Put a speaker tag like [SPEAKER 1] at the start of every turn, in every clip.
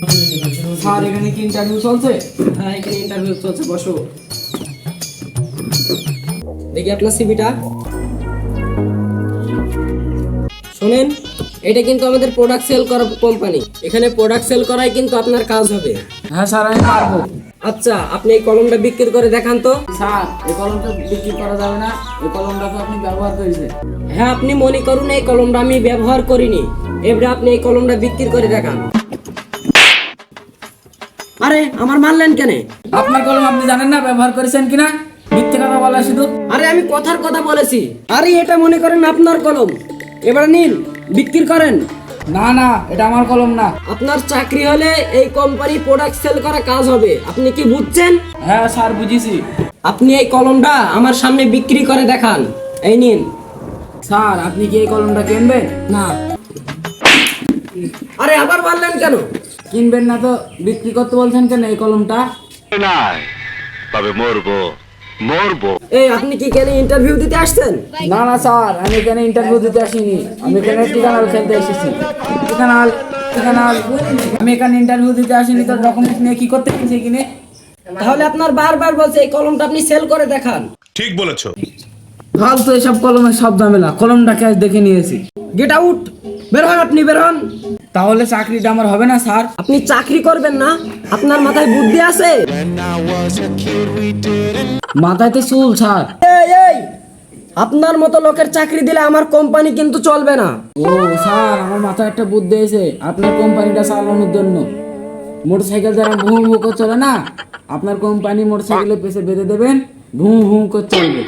[SPEAKER 1] Sir এখানে কি interview চলছে?
[SPEAKER 2] হ্যাঁ, এখানে ইন্টারভিউ চলছে, বসো। দেখি আপনার সিভিটা। শোনেন, এটা কিন্তু আমাদের প্রোডাক্ট সেল করা কোম্পানি। এখানে প্রোডাক্ট সেল করাই কিন্তু আপনার কাজ হবে।
[SPEAKER 1] হ্যাঁ স্যার, আমি পারবো।
[SPEAKER 2] আচ্ছা, আপনি এই কলমটা বিক্রি করে দেখান তো।
[SPEAKER 1] স্যার, এই কলমটা বিক্রি করা যাবে না, এই কলমটা তো আপনি ব্যবহার করেছেন।
[SPEAKER 2] হ্যাঁ, আপনি মনে করুন এই কলমটা আমি ব্যবহার করিনি, এবারে আপনি এই কলমটা বিক্রি করে দেখান। আরে আমার মারলেন কেন?
[SPEAKER 1] আপনার কলম আপনি জানেন না ব্যবহার করেছেন কিনা? মিথ্যে কথা বলা শুধু।
[SPEAKER 2] আরে আমি কথার কথা বলেছি। আরে এটা মনে করেন আপনার কলম, এবারে নিন, বিক্রি করেন।
[SPEAKER 1] না না, এটা আমার কলম না।
[SPEAKER 2] আপনার চাকরি হলে এই কোম্পানি প্রোডাক্ট সেল করা কাজ হবে, আপনি কি বুঝছেন?
[SPEAKER 1] হ্যাঁ স্যার, বুঝেছি।
[SPEAKER 2] আপনি এই কলমটা আমার সামনে বিক্রি করে দেখান। এই নিন।
[SPEAKER 1] স্যার, আপনি কি এই কলমটা কিনবেন?
[SPEAKER 2] না। আরে আবার মারলেন কেন?
[SPEAKER 1] কিনবেন না তো বিক্রি করতে বলছেন কেন এই কলমটা?
[SPEAKER 3] নাই, তবে মরবো মরবো।
[SPEAKER 2] এই আপনি কি কেন ইন্টারভিউ দিতে আসছেন?
[SPEAKER 1] না না স্যার, আমি এখানে ইন্টারভিউ দিতে আসিনি, আমি এখানে ঠিকানাল খেলতে এসেছি। ঠিকানাল ঠিকানাল আমি এখানে ইন্টারভিউ দিতে আসিনি, তো ডকুমেন্ট নিয়ে কি করতে এসেছি কিনে?
[SPEAKER 2] তাহলে আপনার বারবার বলছে এই কলমটা আপনি সেল করে দেখান।
[SPEAKER 3] ঠিক বলেছো।
[SPEAKER 1] ফালতু এসব কলমের সব ঝামেলা, কলমটা ক্যাশ দেখে নিয়েছি।
[SPEAKER 2] গেট আউট, বের হন, আপনি বের হন।
[SPEAKER 1] তাহলে চাকরিটা আমার হবে না স্যার?
[SPEAKER 2] আপনি চাকরি করবেন না? আপনার মাথায় বুদ্ধি আছে?
[SPEAKER 1] মাথায় তো চুল স্যার।
[SPEAKER 2] এই আপনার মতো লোকের চাকরি দিলে আমার কোম্পানি কিন্তু চলবে না।
[SPEAKER 1] ও স্যার, আমার মাথায় একটা বুদ্ধি এসে আপনার কোম্পানিটা চালানোর জন্য। মোটরসাইকেল যারা ভুঁ ভুঁ করে চলে না, আপনার কোম্পানি মোটরসাইকেলের পেছনে বেঁধে দেবেন, ভুঁ ভুঁ করে চলবে।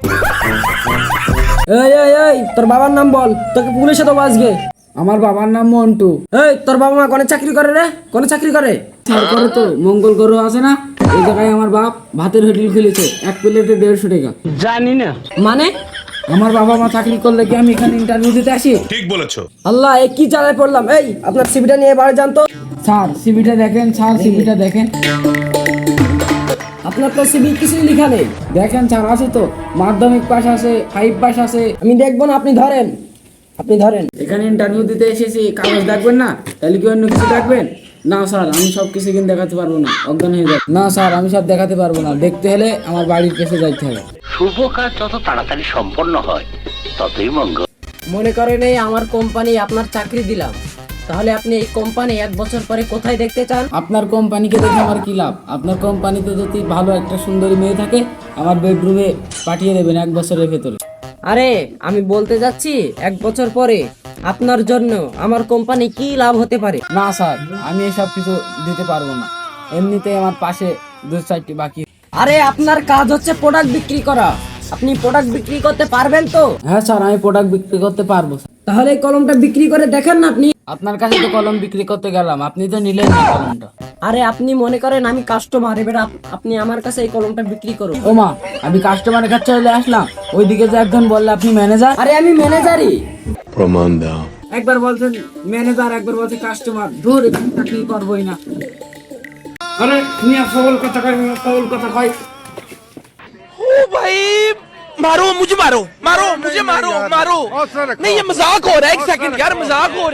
[SPEAKER 2] এই তোর বাবার নাম বল, তোকে পুলিশে দেবো আজকে।
[SPEAKER 1] আমার বাবার নাম মন্টু।
[SPEAKER 2] এই তোর বাবা মা কোনে চাকরি করে রে? কোনে চাকরি করে?
[SPEAKER 1] স্যার করে তো, মঙ্গল গ্রহ আছে না, এই জায়গায় আমার বাপ ভাতের হোটেল খুলেছে, এক প্লেটে 150 টাকা।
[SPEAKER 2] মানে?
[SPEAKER 1] আমার বাবা মা চাকরি করলে কি আমি এখানে ইন্টারভিউ দিতে আসি?
[SPEAKER 3] ঠিক বলেছো।
[SPEAKER 2] আল্লাহ, এ কি জ্বালায় পড়লাম। এই আপনার সিভিটা নিয়ে বাড়ি যান তো।
[SPEAKER 1] স্যার সিভিটা দেখেন, স্যার সিভিটা দেখেন।
[SPEAKER 2] আপনার তো সিভি কিছুই লেখা নেই।
[SPEAKER 1] দেখেন স্যার, আছে তো, মাধ্যমিক পাস আছে, 5 পাস আছে।
[SPEAKER 2] আমি দেখবো না, আপনি ধরেন, আপনি ধরেন।
[SPEAKER 1] এখানে ইন্টারভিউ দিতে এসেছি, কাগজ দেখবেন না? তাহলে কি অন্য কিছু দেখবেন? না স্যার, আমি সব কিছু কিন্তু দেখাতে পারবো না, অজ্ঞান হয়ে যাবে। না স্যার, আমি সব দেখাতে পারবো না, দেখতে হলে আমার বাড়ির কাছে যাইতে হবে।
[SPEAKER 4] শুভ কাজ যত তাড়াতাড়ি সম্পন্ন হয় ততই মঙ্গল।
[SPEAKER 2] মনে করেন এই আমার কোম্পানি আপনার চাকরি দিলাম, তাহলে আপনি এই কোম্পানি 1 বছর পরে কোথায় দেখতে চান?
[SPEAKER 1] আপনার কোম্পানিকে দেখে আমার কি লাভ? আপনার কোম্পানিতে যদি ভালো একটা সুন্দরী মেয়ে থাকে, আমার বেডরুমে পাঠিয়ে দেবেন 1 বছরের ভেতরে।
[SPEAKER 2] আরে আমি বলতে যাচ্ছি 1 বছর পরে আপনার জন্য আমার কোম্পানি কি লাভ হতে পারে।
[SPEAKER 1] না স্যার, আমি এসব কিছু দিতে পারবো না, এমনিতেই আমার পাশে 2-4টি বাকি।
[SPEAKER 2] আরে আপনার কাজ হচ্ছে প্রোডাক্ট বিক্রি করা, আপনি প্রোডাক্ট বিক্রি করতে পারবেন তো?
[SPEAKER 1] হ্যাঁ স্যার, আমি প্রোডাক্ট বিক্রি করতে পারবো।
[SPEAKER 2] তাহলে এই কলমটা বিক্রি করে দেখেন না আপনি।
[SPEAKER 1] আপনার কাছে তো কলম বিক্রি করতে গেলাম, আপনি তো নিলেন না কলমটা।
[SPEAKER 2] আরে আপনি মনে করেন আমি কাস্টমার, এবার আপনি আমার কাছে এই কলমটা বিক্রি করুন।
[SPEAKER 1] ও মা, আমি কাস্টমারের কাছে চলে আসলাম, ওইদিকে যে একজন বললে আপনি ম্যানেজার।
[SPEAKER 2] আরে আমি ম্যানেজারই।
[SPEAKER 3] প্রমাণ দাও।
[SPEAKER 1] একবার বলছেন ম্যানেজার, একবার বলছে কাস্টমার, ধর চাকরি করবোই না। আরে তুমি সবল কথা কয়, সবল কথা কয়।
[SPEAKER 5] ओ भाई मारो मुझे, मारो मारो मुझे, मारो मारो नहीं, ये मजाक हो रहा है। 1 सेकंड यार, मजाक हो रहा है।